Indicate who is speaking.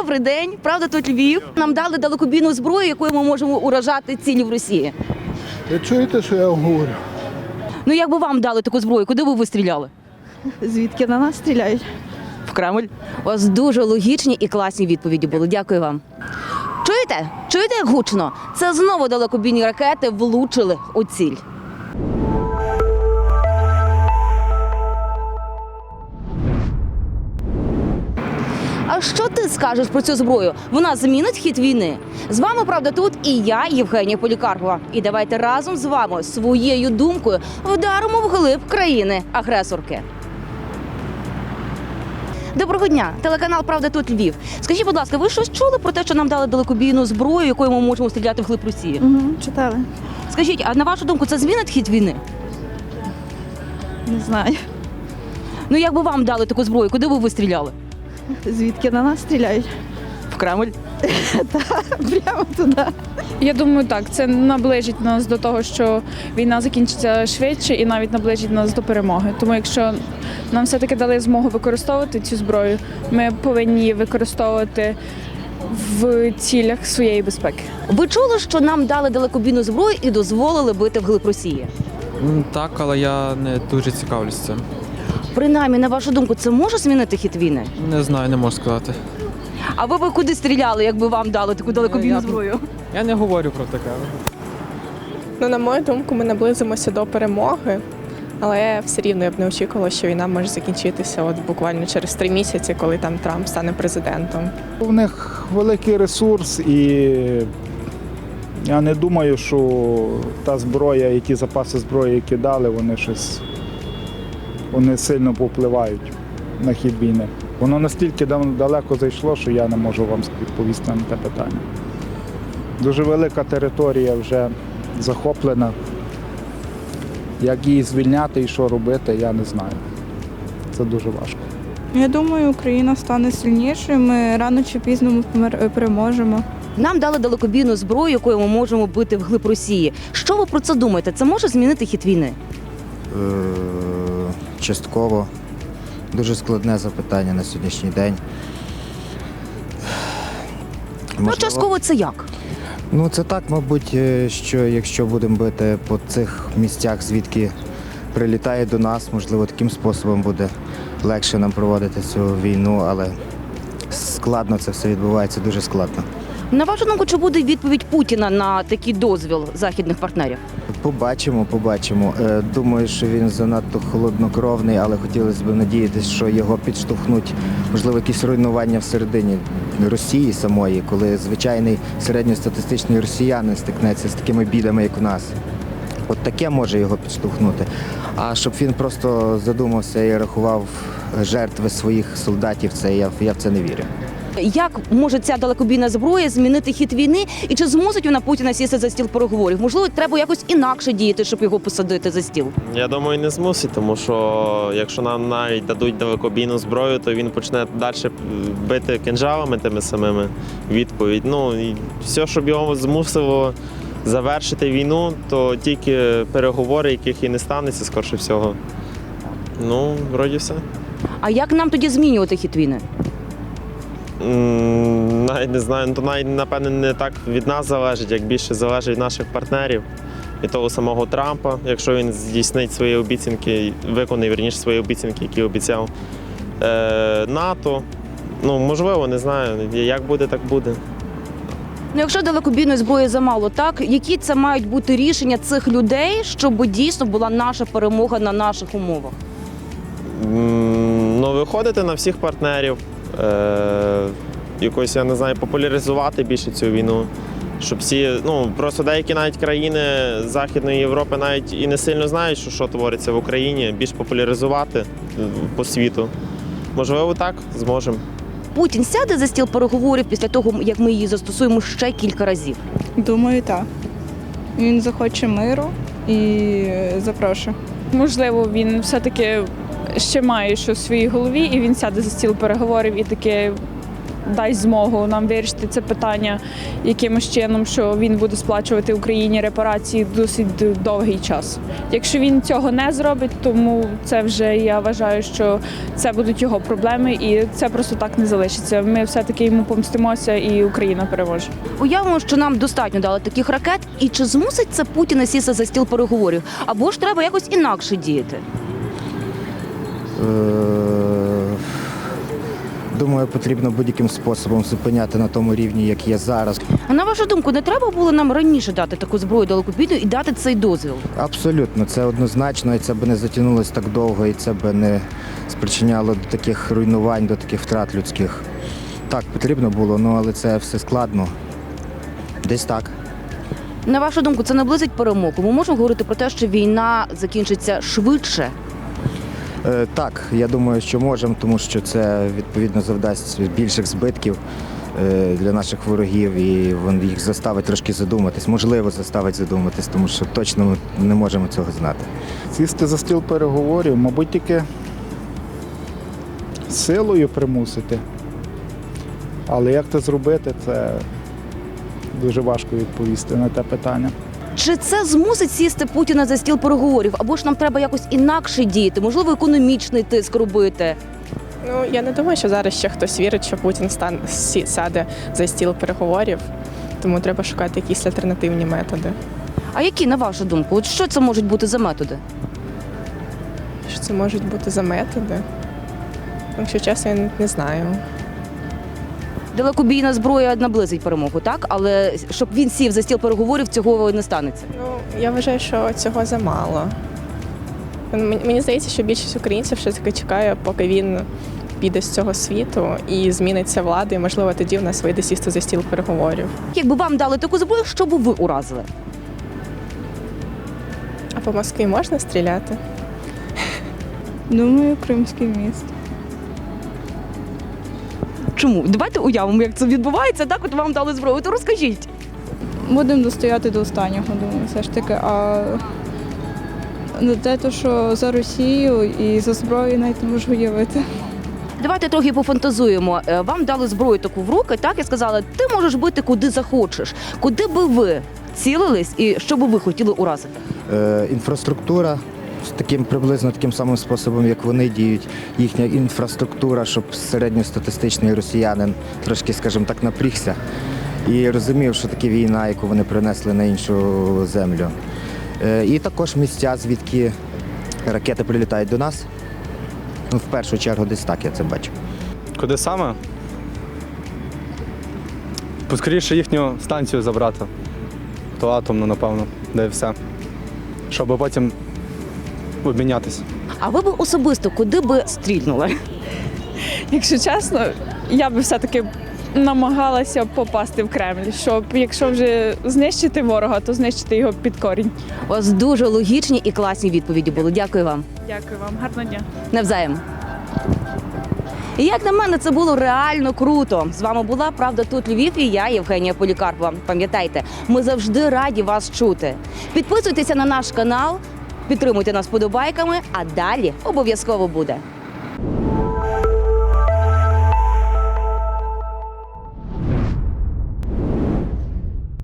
Speaker 1: Добрий день, правда тут Львів. Нам дали далекобійну зброю, якою ми можемо уражати цілі в Росії.
Speaker 2: Ви чуєте, що я вам говорю?
Speaker 1: Ну якби вам дали таку зброю, куди б ви стріляли?
Speaker 3: Звідки на нас стріляють?
Speaker 1: В Кремль. У вас дуже логічні і класні відповіді були. Дякую вам. Чуєте? Чуєте, як гучно? Це знову далекобійні ракети влучили у ціль. А що ти скажеш про цю зброю? Вона змінить хід війни? З вами, правда, тут і я, Євгенія Полікарпова. І давайте разом з вами своєю думкою вдаримо вглиб країни-агресорки. Доброго дня, телеканал «Правда тут Львів». Скажіть, будь ласка, ви щось чули про те, що нам дали далекобійну зброю, якою ми можемо стріляти вглиб Росії?
Speaker 3: Читали.
Speaker 1: Скажіть, а на вашу думку, це змінить хід війни?
Speaker 3: Не знаю.
Speaker 1: Ну, якби вам дали таку зброю, куди б ви стріляли?
Speaker 3: Звідки на нас стріляють?
Speaker 1: В Кремль?
Speaker 3: Прямо туди.
Speaker 4: Я думаю, так, це наближить нас до того, що війна закінчиться швидше і навіть наближить нас до перемоги. Тому якщо нам все-таки дали змогу використовувати цю зброю, ми повинні її використовувати в цілях своєї безпеки.
Speaker 1: Ви чули, що нам дали далекобійну зброю і дозволили бити вглиб Росії?
Speaker 5: Так, але я не дуже цікавлюсь цим.
Speaker 1: Принаймні, на вашу думку, це може змінити хід війни?
Speaker 5: Не знаю, не можу сказати.
Speaker 1: А ви б куди стріляли, якби вам дали таку далекобійну зброю?
Speaker 5: Я не говорю про таке.
Speaker 6: Ну, на мою думку, ми наблизимося до перемоги, але все рівно я б не очікувала, що війна може закінчитися от буквально через 3 місяці, коли там Трамп стане президентом.
Speaker 2: У них великий ресурс, і я не думаю, що та зброя, і ті запаси зброї, які дали, вони сильно повпливають на хід війни. Воно настільки далеко зайшло, що я не можу вам відповісти на те питання. Дуже велика територія вже захоплена. Як її звільняти і що робити, я не знаю. Це дуже важко.
Speaker 3: Я думаю, Україна стане сильнішою, ми рано чи пізно переможемо.
Speaker 1: Нам дали далекобійну зброю, якою ми можемо бити вглиб Росії. Що ви про це думаєте? Це може змінити хід війни?
Speaker 7: Частково. Дуже складне запитання на сьогоднішній день.
Speaker 1: Ну, частково це як?
Speaker 7: Ну, це так, мабуть, що якщо будемо бити по цих місцях, звідки прилітає до нас, можливо, таким способом буде легше нам проводити цю війну, але складно це все відбувається, дуже складно.
Speaker 1: На вашу думку, чи буде відповідь Путіна на такий дозвіл західних партнерів?
Speaker 7: Побачимо. Думаю, що він занадто холоднокровний, але хотілося б надіятися, що його підштовхнуть, можливо, якісь руйнування всередині Росії самої, коли звичайний середньостатистичний росіянин стикнеться з такими бідами, як у нас. От таке може його підштовхнути. А щоб він просто задумався і рахував жертви своїх солдатів, я в це не вірю.
Speaker 1: Як може ця далекобійна зброя змінити хід війни? І чи змусить вона Путіна сісти за стіл переговорів? Можливо, треба якось інакше діяти, щоб його посадити за стіл?
Speaker 8: Я думаю, не змусить, тому що якщо нам навіть дадуть далекобійну зброю, то він почне далі бити кинджалами тими самими відповідь. Ну, і все, щоб його змусило завершити війну, то тільки переговори, яких і не станеться, скорше всього. Ну, вроді все.
Speaker 1: А як нам тоді змінювати хід війни?
Speaker 8: Навіть не знаю, ну, то навіть, напевне, не так від нас залежить, як більше залежить від наших партнерів, від того самого Трампа, якщо він здійснить свої обіцянки, виконає, вірніше, свої обіцянки, які обіцяв. НАТО, ну, можливо, не знаю, як буде, так буде.
Speaker 1: Ну, якщо далекобійної зброї замало, так? Які це мають бути рішення цих людей, щоб дійсно була наша перемога на наших умовах?
Speaker 8: Ну, виходити на всіх партнерів, якось, я не знаю, популяризувати більше цю війну, щоб всі, ну, просто деякі навіть країни Західної Європи навіть і не сильно знають, що твориться в Україні, більш популяризувати по світу. Можливо, так зможемо.
Speaker 1: Путін сяде за стіл переговорів після того, як ми її застосуємо ще кілька разів?
Speaker 3: Думаю, так. Він захоче миру і запрошує.
Speaker 4: Можливо, він все-таки ще має щось в своїй голові, і він сяде за стіл переговорів і таки дасть змогу нам вирішити це питання якимось чином, що він буде сплачувати Україні репарації досить довгий час. Якщо він цього не зробить, тому це вже, я вважаю, що це будуть його проблеми, і це просто так не залишиться. Ми все-таки йому помстимося, і Україна переможе.
Speaker 1: Уявимо, що нам достатньо дали таких ракет, і чи змусить це Путіна сісти за стіл переговорів? Або ж треба якось інакше діяти?
Speaker 7: Думаю, потрібно будь-яким способом зупиняти на тому рівні, як є зараз.
Speaker 1: А на вашу думку, не треба було нам раніше дати таку зброю далекобійну і дати цей дозвіл?
Speaker 7: Абсолютно, це однозначно, і це б не затягнулося так довго, і це б не спричиняло до таких руйнувань, до таких втрат людських. Так, потрібно було, але це все складно. Десь так.
Speaker 1: На вашу думку, це наблизить перемогу? Ми можемо говорити про те, що війна закінчиться швидше?
Speaker 7: Так, я думаю, що можемо, тому що це відповідно завдасть більших збитків для наших ворогів, і він їх заставить трошки задуматись, можливо, заставить задуматись, тому що точно ми не можемо цього знати.
Speaker 2: Сісти за стіл переговорів, мабуть, тільки силою примусити. Але як це зробити, це дуже важко відповісти на те питання.
Speaker 1: Чи це змусить сісти Путіна за стіл переговорів? Або ж нам треба якось інакше діяти? Можливо, економічний тиск робити?
Speaker 6: Ну, я не думаю, що зараз ще хтось вірить, що Путін сяде за стіл переговорів, тому треба шукати якісь альтернативні методи.
Speaker 1: А які, на вашу думку? От що це можуть бути за методи?
Speaker 6: Що це можуть бути за методи? Якщо чесно, я не знаю.
Speaker 1: Далекобійна зброя наблизить перемогу, так? Але щоб він сів за стіл переговорів, цього не станеться.
Speaker 6: Ну, я вважаю, що цього замало. Мені здається, що більшість українців все-таки чекає, поки він піде з цього світу і зміниться влада, і, можливо, тоді в нас вийде сісти за стіл переговорів.
Speaker 1: Якби вам дали таку зброю, що б ви уразили?
Speaker 6: А по Москві можна стріляти?
Speaker 3: Думаю, Кримський міст.
Speaker 1: Чому? Давайте уявимо, як це відбувається, так? От вам дали зброю, то розкажіть.
Speaker 3: Будемо достояти до останнього, думаю, все ж таки. А те, що за Росію і за зброю навіть не можу уявити.
Speaker 1: Давайте трохи пофантазуємо. Вам дали зброю таку в руки, так, і сказали, ти можеш бити куди захочеш. Куди би ви цілились і що би ви хотіли уразити?
Speaker 7: Інфраструктура приблизно таким самим способом, як вони діють. Їхня інфраструктура, щоб середньостатистичний росіянин трошки, скажімо так, напрігся і розумів, що таке війна, яку вони принесли на іншу землю. І також місця, звідки ракети прилітають до нас. В першу чергу десь так я це бачу.
Speaker 9: Куди саме? Поскоріше їхню станцію забрати. То атомну, напевно, де і все. Щоб потім обмінятися.
Speaker 1: А ви б особисто куди би стрільнули?
Speaker 4: Якщо чесно, я би все-таки намагалася попасти в Кремль, щоб якщо вже знищити ворога, то знищити його під корінь.
Speaker 1: У вас дуже логічні і класні відповіді були. Дякую вам.
Speaker 4: Дякую вам, гарного дня.
Speaker 1: Навзаєм. І як на мене, це було реально круто. З вами була «Правда тут Львів» і я, Євгенія Полікарпова. Пам'ятайте, ми завжди раді вас чути. Підписуйтеся на наш канал, підтримуйте нас вподобайками, а далі обов'язково буде.